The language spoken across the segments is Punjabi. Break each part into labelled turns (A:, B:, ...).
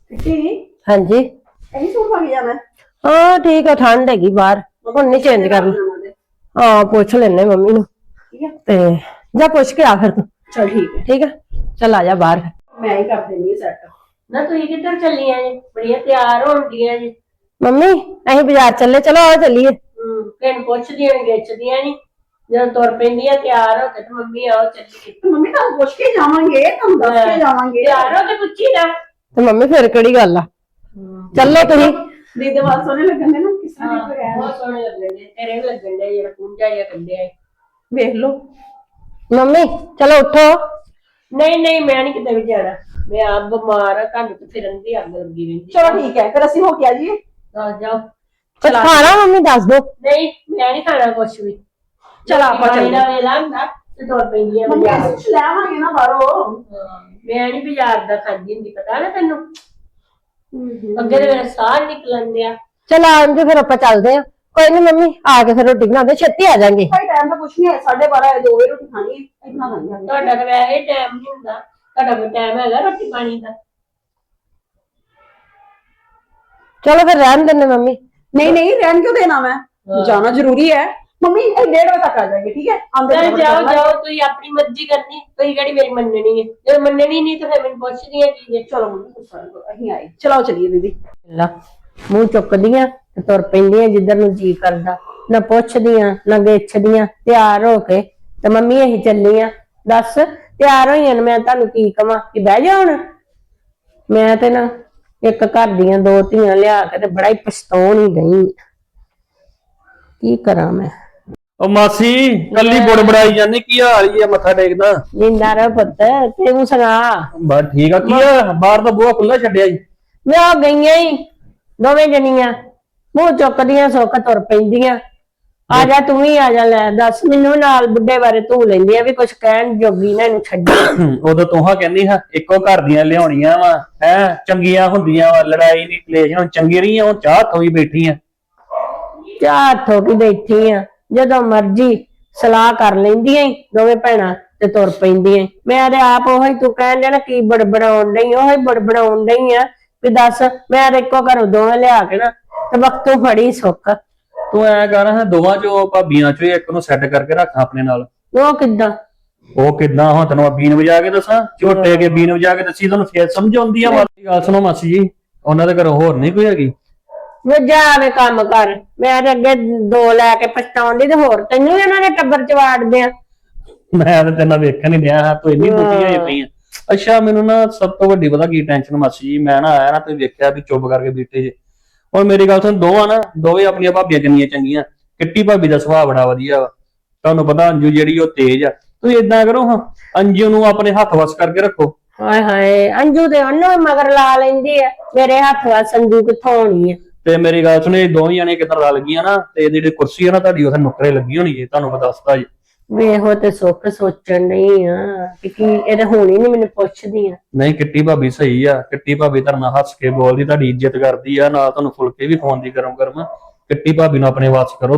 A: हाँ जी
B: यही सूट पा के जाना है?
A: हाँ ठीक है ठंड हैगी बाहर हुण नहीं चेंज करना हाँ पूछ लेने मम्मी नू
B: ठीक है
A: ते जा पूछ के आ फिर तू
B: चल ठीक है
A: चल आ जा बाहर
B: मैं ही कर देनी सेट
C: ना तू किधर चली है बड़िया तैयार होंदियां जी
A: मम्मी अहीं बाजार चले चलो आओ चलिए
C: किन पुछदियां गिछदियां नहीं जब तुर पैंदियां तैयार हो के ते मम्मी आओ चलिए
B: तो मम्मी तुम पूछ के जावांगे तुम दस के जावांगे
C: तैयार हो के पुछी ना
A: ते मम्मी फिर केड़ी गल आ चलो तुसीं
B: दीदी बात सोने लगन दे ना किस तरह की है
C: बहुत सोहने लगन दे तेरे भी लगन दे जेड़ा पूंजा या कड्डे
B: देख लो
A: मम्मी चलो उठो
C: नहीं नहीं मैं नहीं किते भी जाना मैं आप बीमार हां तुहानू ते फिरन दी अग लगी रहिंदी
B: चलो ठीक है फिर असि हो के आ जाइए
C: आ जाओ
A: कुछ खाना मम्मी दस दो
C: नहीं मैं नहीं खाना कुछ भी
B: चल आप चल
C: ना वेला हुंदा ते तुर पैंदियां
B: मम्मी
C: बाजार
B: कुछ ले आवांगे ना बाहरों
C: मैं नहीं बाजार दा खांदी हुंदी पता ना तैनू ਅੱਗੇ ਤੇ ਮੇਰਾ ਸਾਹ ਨਿਕਲਣ ਦਿਆ
A: चल आज फिर आप चलते हैं कोई नहीं मम्मी आके फिर रोटी बना दे छेती आ जाएंगे
B: भाई टाइम तो कुछ नहीं है 12:30 2 बजे रोटी खानी है इतना खानी
C: ਤੁਹਾਡਾ ਤਾਂ ਵੈਸੇ ਟਾਈਮ ਨਹੀਂ ਹੁੰਦਾ ਤੁਹਾਡਾ ਕੋਈ ਟਾਈਮ ਹੈਗਾ ਰੋਟੀ ਪਾਣੀ ਦਾ
A: चलो फिर रहन देने मम्मी
B: नहीं नहीं रहन क्यों देना मैं जाना जरूरी है मम्मी 1:30 बजे तक आ जाएंगे ठीक है आंदे
C: ਚੱਲ ਜਾਓ ਜਾਓ ਤੁਸੀਂ ਆਪਣੀ ਮਰਜ਼ੀ ਕਰਨੀ ਤੁਸੀਂ ਕਿਹੜੀ ਮੇਰੀ ਮੰਨਣੀ ਹੈ ਜੇ ਮੰਨਣੀ ਨਹੀਂ ਤਾਂ ਫਿਰ ਮੈਨੂੰ ਪੁੱਛਦੀ ਹੈ ਕੀ ਜੇ
B: चलो मम्मी अहीं आए चलो चलिए दीदी
A: ला मूंह चुकदियां ते तुर पैंदियां जिधर नूं जी करदा ना पुछदियां ना गिछदियां तैयार हो के ते मम्मी अहीं चलियां दस तैयार होईयां मैं तुहानू की कवां कि बह जा हुण मैं ते ना एक घर दियां दो धीआं लिया के ते बड़ा ही पछताउण ही गई की करा मैं
D: ओ मासी कल्ली बुड़बड़ाई जाने की हाल ही है मत्था टेकदा
A: जिंदा रह पुत्त तू सुना
D: बस ठीक है की है बाहर तो बुआ खुला छड्डिया जी
A: मैं आ गईयां ही दोवें जनियां मूंह चुकदियां सुख तुर पैंदियां आ जा तू ही आ जा ले दस मैनू नाल बुड्ढे बारे तू लैंदी आ भी कुछ कहण जोगी ना इनू छड्डी
D: उदो तुहा कहनी हा इको घर दियां लियाउणियां वा है चंगियां हुंदियां वा लड़ाई नहीं क्लेश हुण चंगी रही हुण चाह थोई बैठी आ
A: चाह ठोकी बैठी आ ਜਦੋਂ ਮਰਜੀ ਸਲਾਹ ਕਰ ਲੈਂਦੀਆਂ ਈ ਦੋਵੇਂ ਭੈਣਾਂ ਤੇ ਤੁਰ ਪੈਂਦੀਆਂ ਮੈਂ ਤੇ ਆਪ ਉਹੀ ਤੂੰ ਕਹਿਣ ਦੇ ਨਾ ਕੀ ਬੜਬੜਾਉਣ ਡਈ ਉਹੀ ਬੜਬੜਾਉਣ ਡਈ ਆ ਵੀ ਦੱਸ ਮੈਂ ਤੇ ਇੱਕੋ ਘਰੋਂ ਦੋਵੇਂ ਲਿਆ ਕੇ ਨਾ ਤੇ ਵਕਤੋਂ ਫੜੀ ਸੁੱਕ
D: ਤੂੰ ਐ ਕਰ ਹਾਂ ਦੋਵਾਂ ਚੋਂ ਭਾਬੀਆਂ ਚੋਂ ਇੱਕ ਨੂੰ ਸੈੱਟ ਕਰਕੇ ਰੱਖ ਆਪਣੇ ਨਾਲ
A: ਉਹ ਕਿੱਦਾਂ
D: ਉਹ ਕਿੱਦਾਂ ਹੁਣ ਤੈਨੂੰ ਬੀਨ ਵਜਾ ਕੇ ਦੱਸਾਂ ਝੋਟੇ ਕੇ ਬੀਨ ਵਜਾ ਕੇ ਦੱਸੀ ਤੁਹਾਨੂੰ ਫੇਰ ਸਮਝ ਆਉਂਦੀ ਆ ਮਾੜੀ ਗੱਲ ਸੁਣੋ ਮਾਸੀ ਜੀ ਉਹਨਾਂ ਦੇ ਘਰੋਂ ਹੋਰ ਨਹੀਂ ਕੋਈ ਹੈਗੀ
A: ਵੇ ਜਾਵੇ ਕੰਮ ਕਰ ਮੈਂ ਤੇ ਅੱਗੇ ਦੋ ਲੈ ਕੇ ਪਛਤਾਉਂਦੀ ਤੇ ਹੋਰ ਤੈਨੂੰ ਵੀ ਇਹਨਾਂ ਦੇ ਟੱਬਰ ਚ ਵਾੜਦੇ ਆ
D: ਮੈਂ ਤਾਂ ਤੈਨੂੰ ਵੇਖਣ ਨਹੀਂ ਦਿਆ ਤੂੰ ਇੰਨੀ ਬੁੱਢੀ ਹੋਈ ਪਈ ਆ ਅੱਛਾ ਮੈਨੂੰ ਨਾ ਸਭ ਤੋਂ ਵੱਡੀ ਪਤਾ ਕੀ ਟੈਨਸ਼ਨ ਮਾਸੀ ਜੀ ਮੈਂ ਨਾ ਆਇਆ ਨਾ ਤੁਸੀਂ ਵੇਖਿਆ ਵੀ ਚੁੱਪ ਕਰਕੇ ਬੈਠੇ ਜੇ ਹੁਣ ਮੇਰੀ ਗੱਲ ਸੁਣ ਦੋਵਾਂ ਨਾ ਦੋਵੇਂ ਆਪਣੀਆਂ ਭਾਬੀਆਂ ਕਿੰਨੀਆਂ ਚੰਗੀਆਂ ਕਿੱਟੀ ਭਾਬੀ ਦਾ ਸੁਭਾਅ ਬੜਾ ਵਧੀਆ ਵਾ ਤੁਹਾਨੂੰ ਪਤਾ ਅੰਜੂ ਜਿਹੜੀ ਉਹ ਤੇਜ਼ ਆ ਤੁਸੀਂ ਇਦਾਂ ਕਰੋ ਹਾਂ ਅੰਜੂ ਨੂੰ ਆਪਣੇ ਹੱਥ ਵਸ ਕਰਕੇ ਰੱਖੋ
A: ਹਾਏ ਹਾਏ ਅੰਜੂ ਤੇ ਉਹਨੂੰ ਮਗਰ ਲਾ ਲੈਂਦੀ ਆ ਮੇਰੇ ਹੱਥ ਵਸ ਅੰਜੂ ਕਿੱਥੋਂ ਹੋਣੀ ਆ
D: ਤੇ ਮੇਰੀ ਗੱਲ ਸੁਣੇ ਦੋਵੇਂ ਜਣੇ ਕਿਦਾਂ ਰਲ ਗਈਆਂ ਨਾ ਤੇ ਇਹਦੀ ਜਿਹੜੀ ਕੁਰਸੀ ਆ ਨਾ ਤੁਹਾਡੀ ਉੱਥੇ ਨੁਕਰੇ ਲੱਗੀ ਹੋਣੀ ਜੇ ਤੁਹਾਨੂੰ ਮੈਂ ਦੱਸਦਾ ਜੀ
A: ਵੇਹੋ ਤੇ ਸੁੱਖ ਸੋਚਣ ਨਹੀਂ ਆ ਕਿ ਇਹ ਤਾਂ ਹੋਣੀ ਨਹੀਂ ਮੈਨੂੰ ਪੁੱਛਦੀ ਆ
D: ਨਹੀਂ ਕਿੱਟੀ ਭਾਬੀ ਸਹੀ ਆ ਕਿੱਟੀ ਭਾਬੀ ਤੁਹਾਡੇ ਨਾਲ ਹੱਸ ਕੇ ਬੋਲਦੀ ਤੁਹਾਡੀ ਇੱਜ਼ਤ ਕਰਦੀ ਆ ਨਾਲ ਤੁਹਾਨੂੰ ਫੁਲਕੇ ਵੀ ਖਵਾਉਂਦੀ ਗਰਮ ਗਰਮ ਕਿੱਟੀ ਭਾਬੀ ਨੂੰ ਆਪਣੇ ਵਾਸ ਕਰੋ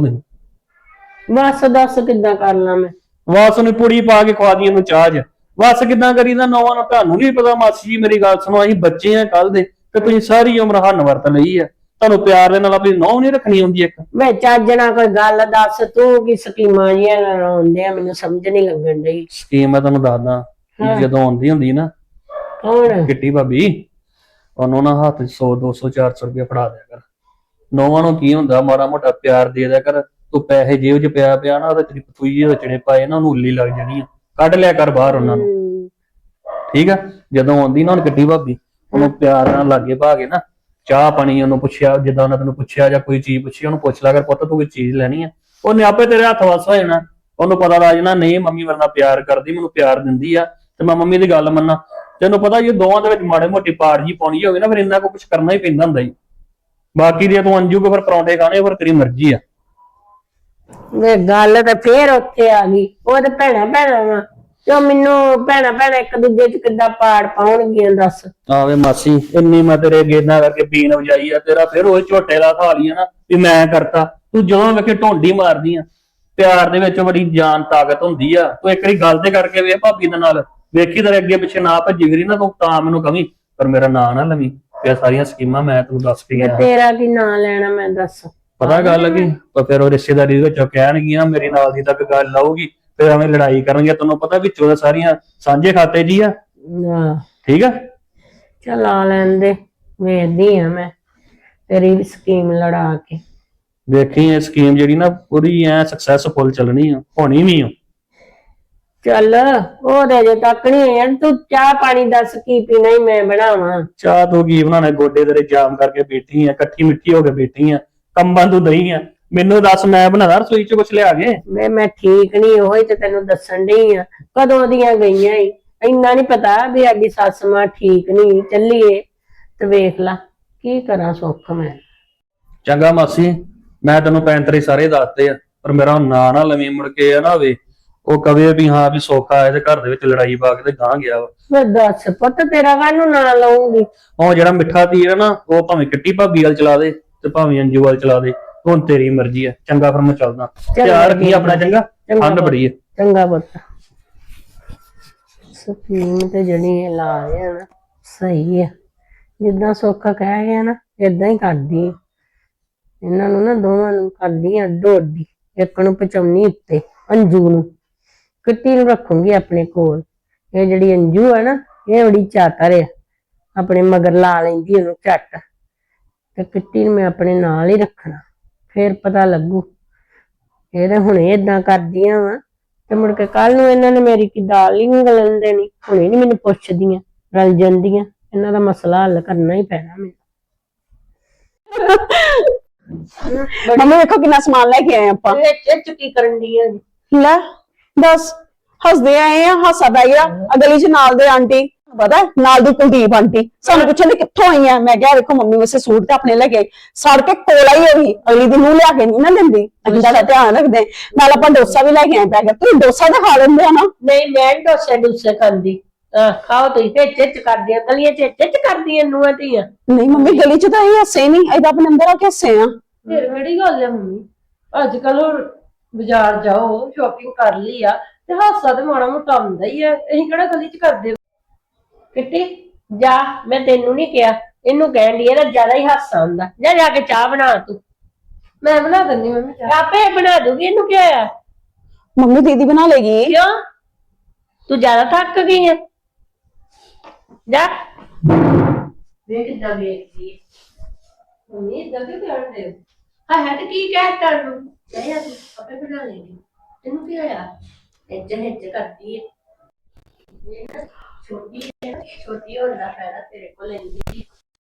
D: ਤੁਸੀਂ
A: ਬਸ ਦੱਸ ਕਿੱਦਾਂ ਕਰ ਲਾਂ ਮੈਂ
D: ਵਾਸ ਨੂੰ ਪੁੜੀ ਪਾ ਕੇ ਖਵਾ ਦੀ ਇਹਨੂੰ ਚਾਹ ਵਾਸ ਕਿੱਦਾਂ ਕਰੀਦਾ ਨੌਵਾਂ ਨੂੰ ਤੁਹਾਨੂੰ ਨਹੀਂ ਪਤਾ ਮਾਸੀ ਜੀ ਮੇਰੀ ਗੱਲ ਸੁਣੋ ਅਸੀਂ ਬੱਚੇ ਆ ਕੱਲ ਦੇ ਤੇ ਤੁਸੀਂ ਸਾਰੀ ਉਮਰ ਹੰਨ ਵਰਤ ਲਈ ਆ ਤੁਹਾਨੂੰ ਪਿਆਰ ਦੇ ਨਾਲ ਆਪਣੀ ਨੌਂ ਨਹੀਂ ਰੱਖਣੀ ਹੁੰਦੀ ਇੱਕ
A: ਵੇ ਚੱਜ ਨਾਲ ਕੋਈ ਗੱਲ ਦੱਸ ਤੂੰ ਕੀ ਸਕੀਮਾਂ ਜੀਆਂ ਲਾਉਂਦੇ ਆ ਮੈਨੂੰ ਸਮਝ ਨਹੀਂ ਲੱਗਣ ਡਈ
D: ਸਕੀਮ ਮੈਂ ਤੁਹਾਨੂੰ ਦੱਸਦਾ ਜਦੋਂ ਆਉਂਦੀ ਹੁੰਦੀ ਨਾ
A: ਕੌਣ
D: ਕਿੱਟੀ ਭਾਬੀ ਉਹਨੂੰ ਨਾ ਹੱਥ 100 200 400 ਰੁਪਏ ਫੜਾ ਦਿਆ ਕਰ ਨੌਵਾਂ ਨੂੰ ਕੀ ਹੁੰਦਾ ਮਾੜਾ ਮੋਟਾ ਪਿਆਰ ਦੇ ਦਿਆ ਕਰ ਤੂੰ ਪੈਸੇ ਜੇਬ 'ਚ ਪਿਆ ਨਾ ਉਹਦੇ ਤੇਰੀ ਪਤੂਈ ਜਿਹੇ ਰਚਣੇ ਪਾਏ ਨਾ ਉਹਨੂੰ ਉੱਲੀ ਲੱਗ ਜਾਣੀ ਆ ਕੱਢ ਲਿਆ ਕਰ ਬਾਹਰ ਉਹਨਾਂ ਨੂੰ ਠੀਕ ਆ ਜਦੋਂ ਆਉਂਦੀ ਨਾ ਹੁਣ ਕਿੱਟੀ ਭਾਬੀ ਉਹਨੂੰ ਪਿਆਰ ਨਾਲ ਲਾਗੇ ਪਾ ਕੇ ਨਾ ਚਾਹ ਪਾਣੀ ਉਹਨੂੰ ਪੁੱਛਿਆ ਜਿੱਦਾਂ ਉਹਨਾਂ ਤੈਨੂੰ ਪੁੱਛਿਆ ਜਾਂ ਕੋਈ ਚੀਜ਼ ਪੁੱਛੀ ਉਹਨੂੰ ਪੁੱਛ ਲਿਆ ਕਰ ਪੁੱਤ ਤੂੰ ਕੋਈ ਚੀਜ਼ ਲੈਣੀ ਆ ਉਹਨੇ ਆਪੇ ਤੇਰੇ ਹੱਥ ਵਸ ਹੋ ਜਾਣਾ ਉਹਨੂੰ ਪਤਾ ਲੱਗ ਜਾਣਾ ਨਹੀਂ ਮੰਮੀ ਮੇਰੇ ਨਾਲ ਪਿਆਰ ਕਰਦੀ ਮੈਨੂੰ ਪਿਆਰ ਦਿੰਦੀ ਆ ਤੇ ਮੈਂ ਮੰਮੀ ਦੀ ਗੱਲ ਮੰਨਾਂ ਤੈਨੂੰ ਪਤਾ ਜੇ ਦੋਵਾਂ ਦੇ ਵਿੱਚ ਮਾੜੇ ਮੋਟੀ ਪਾੜ ਜੀ ਪਾਉਣੀ ਹੋਵੇ ਨਾ ਫਿਰ ਇੰਨਾ ਕੁਝ ਕਰਨਾ ਹੀ ਪੈਂਦਾ ਹੁੰਦਾ ਜੀ ਬਾਕੀ ਜੇ ਤੂੰ ਅੰਜੂ ਕੋ ਫਿਰ ਪਰੌਂਠੇ ਖਾਣੇ ਫਿਰ ਤੇਰੀ ਮਰਜ਼ੀ ਆ
A: ਵੇ ਗੱਲ ਤਾਂ ਫੇਰ ਉੱਥੇ ਆ ਗਈ ਉਹ ਤੇ ਭੈਣਾ ਵਾ ਤੇ ਮੈਨੂੰ ਭੈਣਾ ਇੱਕ ਦੂਜੇ ਚ ਕਿੱਦਾਂ ਪਾੜ ਪਾਉਣਗੀਆਂ ਦੱਸ
D: ਆਵੇ ਮਾਸੀ ਇੰਨੀ ਮੈਂ ਤੇਰੇ ਗੇਨਾ ਕਰਕੇ ਬੀਨ ਵਜਾਈ ਆ ਤੇਰਾ ਫਿਰ ਉਹ ਝੋਟੇ ਦਾ ਖਾ ਲਈ ਨਾ ਵੀ ਮੈਂ ਕਰਤਾ ਤੂੰ ਜਦੋਂ ਵੇਖੇ ਢੋਂਡੀ ਮਾਰਦੀ ਆ ਪਿਆਰ ਦੇ ਵਿੱਚ ਬੜੀ ਜਾਨ ਤਾਕਤ ਹੁੰਦੀ ਆ ਤੂੰ ਇੱਕ ਵਾਰੀ ਗੱਲ ਤੇ ਕਰਕੇ ਵੇਖ ਭਾਬੀ ਦੇ ਨਾਲ ਵੇਖੀ ਤੇਰੇ ਅੱਗੇ ਪਿੱਛੇ ਨਾ ਭੱਜੀ ਫਿਰੀ ਨਾ ਤੂੰ ਤਾਂ ਮੈਨੂੰ ਕਵੀਂ ਪਰ ਮੇਰਾ ਨਾਂ ਨਾ ਲਵੀਂ ਇਹ ਸਾਰੀਆਂ ਸਕੀਮਾਂ ਮੈਂ ਤੈਨੂੰ ਦੱਸ ਕੇ ਗਿਆ।
A: ਤੇਰਾ ਕੀ ਨਾਂ ਲੈਣਾ ਮੈਂ ਦੱਸ।
D: ਪਤਾ ਗੱਲ ਕੀ ਪਰ ਫਿਰ ਉਹ ਰਿਸ਼ਤੇਦਾਰੀ ਦੇ ਵਿੱਚੋਂ ਕਹਿਣਗੀਆਂ ਮੇਰੇ ਨਾਲ ਦੀ ਤੱਕ ਗੱਲ ਆਊਗੀ, ਫਿਰ ਐਵੇਂ ਲੜਾਈ ਕਰਨਗੇ। ਤੈਨੂੰ ਪਤਾ ਵਿੱਚੋਂ ਤਾਂ ਸਾਰੀਆਂ ਸਾਂਝੇ ਖਾਤੇ ਜੀ ਆ।
A: ਆਹ,
D: ਠੀਕ ਆ,
A: ਚੱਲ ਆ ਲੈਣ ਦੇ, ਵੇਖਦੀ ਆ ਮੈਂ ਤੇਰੀ ਸਕੀਮ ਲੜਾ ਕੇ।
D: ਵੇਖੀ ਇਹ ਸਕੀਮ ਜਿਹੜੀ ਨਾ ਪੂਰੀ ਐ ਸਕਸੈਸਫੁਲ ਚੱਲਣੀ ਆ, ਹੋਣੀ ਵੀ ਆ।
A: ਚੱਲ ਉਹ ਤੇ ਅਜੇ ਤੱਕ ਨਹੀਂ ਹੋਇਆ। ਤੂੰ ਚਾਹ ਪਾਣੀ ਦੱਸ ਕੀ ਪੀਣਾ ਹੀ ਮੈਂ ਬਣਾਵਾਂ।
D: ਚਾਹ ਤੂੰ ਕੀ ਬਣਾਣਾ, ਗੋਡੇ ਤੇਰੇ ਜਾਮ ਕਰਕੇ ਬੈਠੀ ਆ, ਇਕੱਠੀ ਮਿੱਠੀ ਹੋ ਕੇ ਬੈਠੀ ਆ, ਕੰਬਾਂ ਤੂੰ ਦਈ ਆ। ਮੈਨੂੰ ਦੱਸ ਮੈਂ ਬਣਾਦਾ ਰਸੋਈ ਚ ਕੁਛ ਲਿਆ ਕੇ।
A: ਮੈਂ ਠੀਕ ਨਹੀਂ, ਉਹੀ ਤੇ ਤੈਨੂੰ ਦੱਸਣ ਡਈ ਆ। ਕਦੋਂ ਦੀਆਂ ਗਈਆਂ ਈ, ਇੰਨਾ ਨਹੀਂ ਪਤਾ ਵੀ ਸਾਡੀ ਸੱਸ ਮਾਂ ਠੀਕ ਨਹੀਂ, ਚੱਲੀਏ ਤੇ ਵੇਖ ਲਾ ਕੀ ਕਰਾਂ ਸੁੱਖ ਮੈਂ।
D: ਚੰਗਾ ਮਾਸੀ, ਮੈਂ ਤੈਨੂੰ ਪੈਂਤਰੇ ਸਾਰੇ ਦੱਸਦੇ ਆ, ਪਰ ਮੇਰਾ ਨਾਂ ਨਾ ਲਵੀਂ ਮੁੜ ਕੇ ਆ ਨਾ ਹੋਵੇ ਉਹ ਕਵੇ ਵੀ ਹਾਂ ਵੀ ਸੌਖਾ ਆਇਆ ਤੇ ਘਰ ਦੇ ਵਿੱਚ ਲੜਾਈ ਪਾ ਕੇ ਤੇ ਗਾਂ ਗਿਆ ਵਾ।
A: ਮੈਂ ਦੱਸ ਪੁੱਤ ਤੇਰਾ ਕਾਹਨੂੰ ਨਾਂ ਲਊਂਗੀ।
D: ਉਹ ਜਿਹੜਾ ਮਿੱਠਾ ਤੀਰ ਆ ਨਾ ਉਹ ਭਾਵੇਂ ਕਿੱਟੀ ਭਾਬੀ ਵਾਲ ਚਲਾ ਦੇ ਤੇ ਭਾਵੇਂ ਅੰਜੂ ਵਾਲ ਚਲਾ ਦੇ, ਹੁਣ ਤੇਰੀ ਮਰਜ਼ੀ ਆ। ਚੰਗਾ ਫਿਰ ਮੈਂ ਚੱਲਦਾ, ਧਿਆਨ ਰੱਖੀ ਆਪਣਾ। ਚੰਗਾ, ਠੰਡ ਬੜੀ ਆ।
A: ਚੰਗਾ ਪੁੱਤ। ਸਕੀਮ ਤੇ ਜਿਹੜੀ ਇਹ ਲਾ ਰਿਹਾ ਨਾ ਸਹੀ ਆ, ਜਿੱਦਾਂ ਸੌਖਾ ਕਹਿ ਗਿਆ ਨਾ ਏਦਾਂ ਹੀ ਕਰਦੀ ਆ। ਇਹਨਾਂ ਨੂੰ ਨਾ ਦੋਵਾਂ ਨੂੰ ਕਰਦੀ ਆ ਡੋਡੀ, ਇੱਕ ਨੂੰ ਪਚਾਉਣੀ ਉੱਤੇ ਅੰਜੂ ਨੂੰ, ਕਿੱਟੀ ਨੂੰ ਰੱਖੂੰਗੀ ਆਪਣੇ ਕੋਲ। ਇਹ ਜਿਹੜੀ ਅੰਜੂ ਹੈ ਨਾ ਇਹ ਬੜੀ ਚਾਤਰ ਆ, ਆਪਣੇ ਮਗਰ ਲਾ ਲੈਂਦੀ ਉਹਨੂੰ ਝੱਟ, ਤੇ ਕਿੱਟੀ ਨੂੰ ਮੈਂ ਆਪਣੇ ਨਾਲ ਹੀ ਰੱਖਣਾ, ਫੇਰ ਪਤਾ ਲੱਗੂ। ਇਹ ਤਾਂ ਹੁਣ ਏਦਾਂ ਕਰਦੀਆਂ ਵਾ ਤੇ ਮੁੜ ਕੇ ਕੱਲ ਨੂੰ ਇਹਨਾਂ ਨੇ ਮੇਰੀ ਕੀ ਦਾਲ ਹੀ ਨੀ ਗਲਣ ਦੇਣੀ। ਹੁਣੇ ਨੀ ਮੈਨੂੰ ਪੁੱਛਦੀਆਂ, ਰਲ ਜਾਂਦੀਆਂ। ਇਹਨਾਂ ਦਾ ਮਸਲਾ ਹੱਲ ਕਰਨਾ ਹੀ ਪੈਣਾ ਮੈਨੂੰ।
B: ਮੰਮੀ ਵੇਖੋ ਕਿੰਨਾ ਸਮਾਨ ਲੈ ਕੇ ਆਏ ਆਪਾਂ।
C: ਵਿੱਚ ਕੀ ਕਰਨ ਦੀ ਆ?
B: ਲੈ ਦੱਸ, ਹੱਸਦੇ ਆਏ ਆ, ਹਾਸਾ ਪੈ ਗਿਆ। ਗਲੀ ਚ ਨਾਲ ਦੇ ਆਂਟੀ, ਪਤਾ ਨਾਲ ਦੀ ਕੁਲਦੀਪ ਆਂਟੀ ਸਾਨੂੰ ਪੁੱਛਣ ਕਿੱਥੋਂ ਆਈਆਂ। ਮੈਂ ਕਿਹਾ ਵੇਖੋ ਮੰਮੀ ਵਾਸਤੇ ਸੂਟ ਤੇ ਆਪਣੇ ਲੈ ਕੇ ਆਈ, ਸੜ ਕੇ ਕੋਲ ਆਈ ਹੋਈ। ਅਗਲੀ ਦਿਨ ਨੂੰ ਲਿਆ ਕੇ ਨਹੀਂ ਨਾ ਦਿੰਦੀ, ਅਸੀਂ ਦਾ ਧਿਆਨ ਰੱਖਦੇ। ਨਾਲ ਆਪਾਂ ਡੋਸਾ ਵੀ ਲੈ ਕੇ ਆਏ ਪੈ ਗਿਆ। ਤੁਸੀਂ ਡੋਸਾ ਤਾਂ ਖਾ ਲੈਂਦੇ ਆ ਨਾ?
C: ਨਹੀਂ ਮੈਂ ਨੀ ਡੋਸੇ ਖਾਂਦੀ। ਖਾਓ ਤੁਸੀਂ ਹਿੱਚ ਕਰਦੀਆਂ, ਗਲੀਆਂ ਚ ਹਿੱਚ ਕਰਦੀਆਂ ਨੂੰਹਾਂ ਧੀਆਂ।
B: ਨਹੀਂ ਮੰਮੀ ਗਲੀ ਚ ਤਾਂ ਇਹ ਹੱਸੇ ਨਹੀਂ, ਇਹਦਾ ਆਪਣੇ ਅੰਦਰ ਆ ਕੇ ਹੱਸੇ ਆ।
C: ਫਿਰ ਕਿਹੜੀ ਗੱਲ ਹੈ ਮੰਮੀ, ਅੱਜ ਕੱਲ ਬਾਜ਼ਾਰ ਜਾਓ ਸ਼ਾਪਿੰਗ ਕਰ ਲਈ ਆ ਤੇ ਹਾਸਾ ਤੇ ਮਾੜਾ ਮੋਟਾ ਹੁੰਦਾ ਹੀ ਆ। ਅਸੀਂ ਕਿਹੜਾ ਗਲੀ ਚ ਕਰਦੇ। ਕਿੱਟੀ ਜਾ, ਮੈਂ ਤੈਨੂੰ ਨਹੀਂ ਕਿਹਾ, ਇਹਨੂੰ ਕਹਿਣ ਦੀ ਇਹਦਾ ਜ਼ਿਆਦਾ ਹੀ ਹਾਸਾ ਹੁੰਦਾ। ਜਾ ਜਾ ਕੇ ਚਾਹ ਬਣਾ ਤੂੰ। ਮੈਂ ਬਣਾ ਦਿੰਦੀ ਮੰਮੀ ਚਾਹ। ਆਪੇ ਬਣਾ ਦੂਗੀ, ਇਹਨੂੰ ਕੀ ਹੋਇਆ?
B: ਮੰਮੀ ਦੀਦੀ ਬਣਾ ਲੇਗੀ।
C: ਕਿਉਂ, ਤੂੰ ਜ਼ਿਆਦਾ ਥੱਕ ਗਈ ਹੈ? ਜਾ ਵੇਖ ਕਿੱਦਾਂ ਵੇਖਦੀ ਹੈ ਮੰਮੀ, ਇਦਾਂ ਕਿਉਂ ਕਰਦੇ ਹੋ? ਹਾਂ ਤੇ ਕੀ ਕਹਿਤਾ ਤੂੰ? ਨਹੀਂ ਤੂੰ ਆਪੇ ਬਣਾ ਲੇਗੀ, ਤੈਨੂੰ ਕੀ ਹੋਇਆ? ਹਿੱਚ ਕਰਦੀ ਹੈ। ਇਹ ਨਾ ਛੋਟੀ ਹੈ, ਛੋਟੀ ਹੋਣ ਦਾ ਫਾਇਦਾ ਤੇਰੇ ਕੋਲ ਲੈਂਦੀ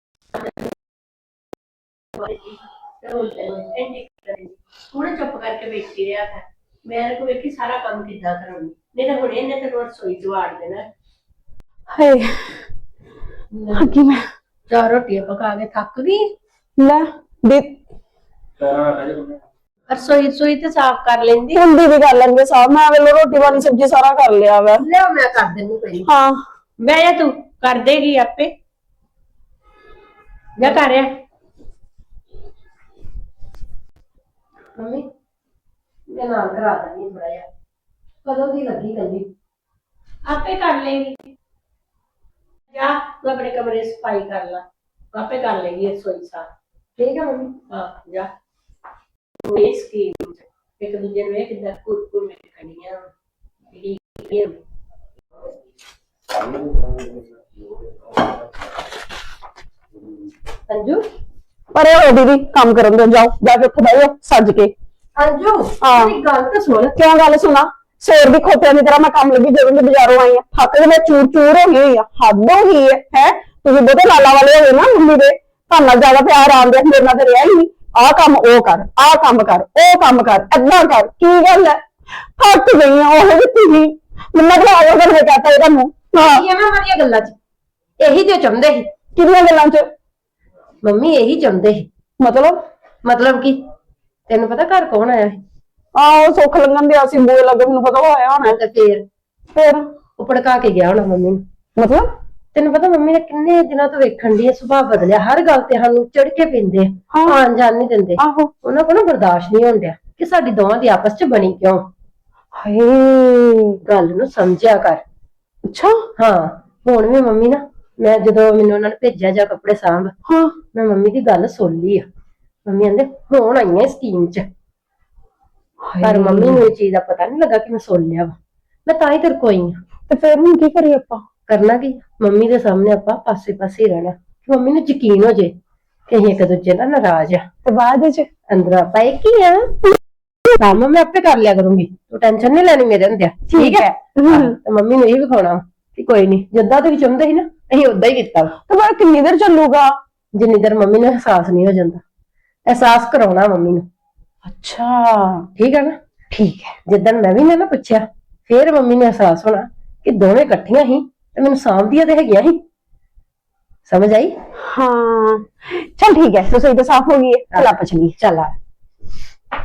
C: ਹੁਣ ਚੁੱਪ ਕਰਕੇ ਬੈਠੀ ਰਿਹਾ ਹੈ। ਮੈਂ ਕੋ ਵੇਖੀ ਸਾਰਾ ਕੰਮ ਕਿੱਦਾਂ ਕਰਾਂਗੀ, ਨਹੀਂ ਤਾਂ ਹੁਣ ਇਹਨੇ ਤੈਨੂੰ ਰਸੋਈ ਚ ਵਾੜ ਦੇਣਾ।
B: ਹਾਏ ਕੀ ਮੈਂ
C: ਚਾਰ ਰੋਟੀਆਂ ਪਕਾ ਕੇ ਥੱਕ ਗਈ।
B: ਲੈ ਦੇ
C: ਰਸੋਈ ਤੇ ਸਾਫ਼ ਕਰ ਲੈਂਦੀ।
B: ਹੁੰਦੀ ਵੀ ਕਰ ਲੈਣਗੇ ਸਾਹਬ, ਮੈਂ ਵੇਲੇ ਰੋਟੀ ਵਾਲੀ ਸਬਜ਼ੀ ਸਾਰਾ ਕਰ ਲਿਆ ਵਾ।
C: ਲੈ ਮੈਂ ਕਰ ਦਿੰਦੀ ਪਈ।
B: ਹਾਂ
C: ਮੈਂ ਜਾਂ ਤੂੰ ਕਰ ਦੇਗੀ ਆਪੇ। ਜਾ ਕਰ ਰਿਹਾ ਮੰਮੀ, ਮੈਂ ਨਾਲ ਕਰਾ ਦਿੰਦੀ ਬੜਾ ਜਿਹਾ। ਕਦੋਂ ਦੀ ਲੱਗੀ ਕੱਲੀ, ਆਪੇ ਕਰ ਲੇਗੀ। ਜਾ ਤੂੰ ਆਪਣੇ ਕਮਰੇ ਸਫਾਈ ਕਰ ਲਾ, ਆਪੇ ਕਰ ਲੇਗੀ ਰਸੋਈ ਸਾਫ਼। ਠੀਕ ਹੈ ਮੰਮੀ? ਹਾਂ ਜਾ। ਇਹ ਸਕੀਮ ਇੱਕ ਦੂਜੇ ਨੂੰ ਇਹ ਕਿੱਦਾਂ ਕੁਰਕੁਰ ਮੈਂ ਖੜੀਆਂ ਅੰਜੂ।
B: ਪਰ ਇਹ ਦੀਦੀ ਕੰਮ ਕਰਨ ਦੋ, ਜਾਓ ਜਾ ਕੇ ਉੱਥੇ ਬਹਿਓ ਸੱਜ ਕੇ।
C: ਅੰਜੂ
B: ਹਾਂ।
C: ਮੇਰੀ ਗੱਲ ਤਾਂ ਸੁਣ।
B: ਕਿਉਂ ਗੱਲ ਸੁਣਾ? ਸੇਰ ਦੀ ਖੋਤਿਆਂ ਦੀ ਤਰ੍ਹਾਂ ਮੈਂ ਕੰਮ ਲੱਗੀ ਜਦੋਂ ਦੀ ਬਾਜ਼ਾਰੋਂ ਆਈ ਆ, ਥੱਕ ਕੇ ਮੈਂ ਚੂਰ ਚੂਰ ਹੋ ਗਈ ਹੋਈ ਆ। ਹੱਦ ਹੋ ਗਈ ਹੈ। ਤੁਸੀਂ ਬਹੁਤੇ ਲਾਲਾ ਵਾਲੇ ਹੋਏ ਨਾ ਮੰਮੀ ਦੇ, ਤੁਹਾਨੂੰ ਨਾਲ ਜ਼ਿਆਦਾ ਪਿਆਰ ਆਉਂਦੇ, ਮੇਰੇ ਨਾਲ ਤੇ ਰਿਹਾ ਹੀ ਨਹੀਂ। ਆਹ ਕੰਮ ਉਹ ਕਰ, ਆਹ ਕੰਮ ਕਰ, ਉਹ ਕੰਮ ਕਰ, ਏਦਾਂ ਕਰ। ਕੀ ਗੱਲ ਹੈ? ਥੱਕ ਗਈ ਆ ਉਹ ਵੀ ਤੁਸੀਂ ਮੈਨੂੰ ਲੱਗਦਾ ਆਇਆ ਕਰ ਕਹਤਾ ਇਹ ਤੁਹਾਨੂੰ। ਹਾਂ
C: ਇਹ ਨਾ ਮਾਰੀਆਂ ਗੱਲਾਂ 'ਚ ਇਹੀ ਤੇ ਚਾਹੁੰਦੇ ਸੀ
B: ਕਿਹਦੀਆਂ ਗੱਲਾਂ 'ਚ?
C: ਮੰਮੀ, ਇਹੀ ਚਾਹੁੰਦੇ ਸੀ। ਮਤਲਬ ਕੀ? ਤੈਨੂੰ ਪਤਾ ਘਰ ਕੌਣ ਆਇਆ ਸੀ?
B: ਆਹੋ ਸੁੱਖ ਲੰਘਣ ਦਿਆ ਸੀ, ਬੂਏ ਲੱਗੇ, ਮੈਨੂੰ ਪਤਾ ਉਹ ਆਇਆ ਹੋਣਾ।
C: ਤੇ
B: ਫਿਰ
C: ਉਹ ਭੜਕਾ ਕੇ ਗਿਆ ਹੋਣਾ ਮੰਮੀ ਨੂੰ।
B: ਮਤਲਬ
C: ਤੈਨੂੰ ਪਤਾ ਮੰਮੀ ਨੇ ਕਿੰਨੇ ਦਿਨਾਂ ਤੋਂ ਵੇਖਣ ਦੀ ਸੁਭਾਅ ਬਦਲਿਆ, ਹਰ ਗੱਲ ਤੇ ਸਾਨੂੰ ਚੜ ਕੇ ਪੈਂਦੇ, ਆਣ ਜਾਣ ਨਹੀਂ ਦਿੰਦੇ।
B: ਆਹੋ
C: ਉਹਨਾਂ ਕੋਲ ਬਰਦਾਸ਼ਤ ਨਹੀਂ ਹੁੰਦਿਆ ਕਿ ਸਾਡੀ ਦੋਵਾਂ ਦੀ ਆਪਸ 'ਚ ਬਣੀ ਕਿਉਂ।
B: ਹਾਏ
C: ਗੱਲ ਨੂੰ ਸਮਝਿਆ ਕਰ।
B: ਅੱਛਾ
C: ਹਾਂ ਹੁਣ ਵੀ ਮੰਮੀ ਨਾ ਮੈਂ ਜਦੋਂ ਮੈਨੂੰ ਉਹਨਾਂ ਨੇ ਭੇਜਿਆ ਜਾਂ ਕੱਪੜੇ ਸਾਂਭ
B: ਹਾਂ
C: ਮੈਂ ਮੰਮੀ ਦੀ ਗੱਲ ਸੁਣ ਲਈ ਆ। ਮੰਮੀ ਕਹਿੰਦੇ ਹੁਣ ਆਈਆਂ ਸਕੀਮ 'ਚ, ਪਰ ਮੰਮੀ ਨੂੰ ਇਹ ਚੀਜ਼ ਦਾ ਪਤਾ ਨਹੀਂ ਲੱਗਾ ਕਿ ਮੈਂ ਸੁਣ ਲਿਆ ਵਾ। ਮੈਂ ਤਾਂ ਹੀ ਤੇਰੇ ਕੋਲ ਆਈ ਆ।
B: ਤੇ ਫਿਰ ਹੁਣ ਕੀ ਕਰੀਏ ਆਪਾਂ?
C: ਕਰਨਾ ਕੀ, ਮੰਮੀ ਦੇ ਸਾਹਮਣੇ ਆਪਾਂ ਪਾਸੇ ਹੀ ਰਹਿਣਾ ਕਿ ਮੰਮੀ ਨੂੰ ਯਕੀਨ ਹੋ ਜੇ ਕਿ ਅਸੀਂ ਇੱਕ ਦੂਜੇ ਨਾਲ ਨਾਰਾਜ਼ ਆ।
B: ਤੇ ਬਾਅਦ ਵਿੱਚ
C: ਅੰਦਰ ਆਪਾਂ ਇੱਕ ਹੀ ਆ, ਕੰਮ ਮੈਂ ਆਪੇ ਕਰ ਲਿਆ ਕਰੂੰਗੀ, ਤੂੰ ਟੈਨਸ਼ਨ ਨਹੀਂ ਲੈਣੀ ਮੇਰੇ ਹੁੰਦਿਆ।
B: ਠੀਕ ਹੈ।
C: ਤੇ ਮੰਮੀ ਨੂੰ ਇਹ ਵਿਖਾਉਣਾ ਕਿ ਕੋਈ ਨਹੀਂ, ਜਿੱਦਾਂ ਤੁਸੀਂ ਚਾਹੁੰਦੇ ਸੀ ਨਾ ਅਸੀਂ ਉਦਾਂ ਹੀ ਕੀਤਾ ਵਾ।
B: ਤੇ ਬਾਅਦ ਕਿੰਨੀ ਦੇਰ ਚੱਲੂਗਾ?
C: ਜਿੰਨੀ ਦੇਰ ਮੰਮੀ ਨੂੰ ਅਹਿਸਾਸ ਨਹੀਂ ਹੋ ਜਾਂਦਾ, ਅਹਿਸਾਸ ਕਰਾਉਣਾ ਮੰਮੀ ਨੂੰ।
B: ਅੱਛਾ
C: ਠੀਕ ਹੈ ਨਾ?
B: ਠੀਕ ਹੈ।
C: ਜਿੱਦਣ ਮੈਂ ਵੀ ਨਾ ਪੁੱਛਿਆ ਫੇਰ ਮੰਮੀ ਨੂੰ ਅਹਿਸਾਸ ਹੋਣਾ ਕਿ ਦੋਵੇਂ ਇਕੱਠੀਆਂ ਸੀ ਤੇ ਮੈਨੂੰ ਸਾਂਭਦੀਆਂ ਤੇ ਹੈਗੀਆਂ ਸੀ। ਸਮਝ ਆਈ?
B: ਹਾਂ ਚਲ ਠੀਕ ਹੈ, ਰਸੋਈ ਤਾਂ ਸਾਫ਼ ਹੋ ਗਈ ਹੈ, ਚਲ ਆਪਾਂ ਚਲੀਏ।
C: ਚੱਲ ਆ।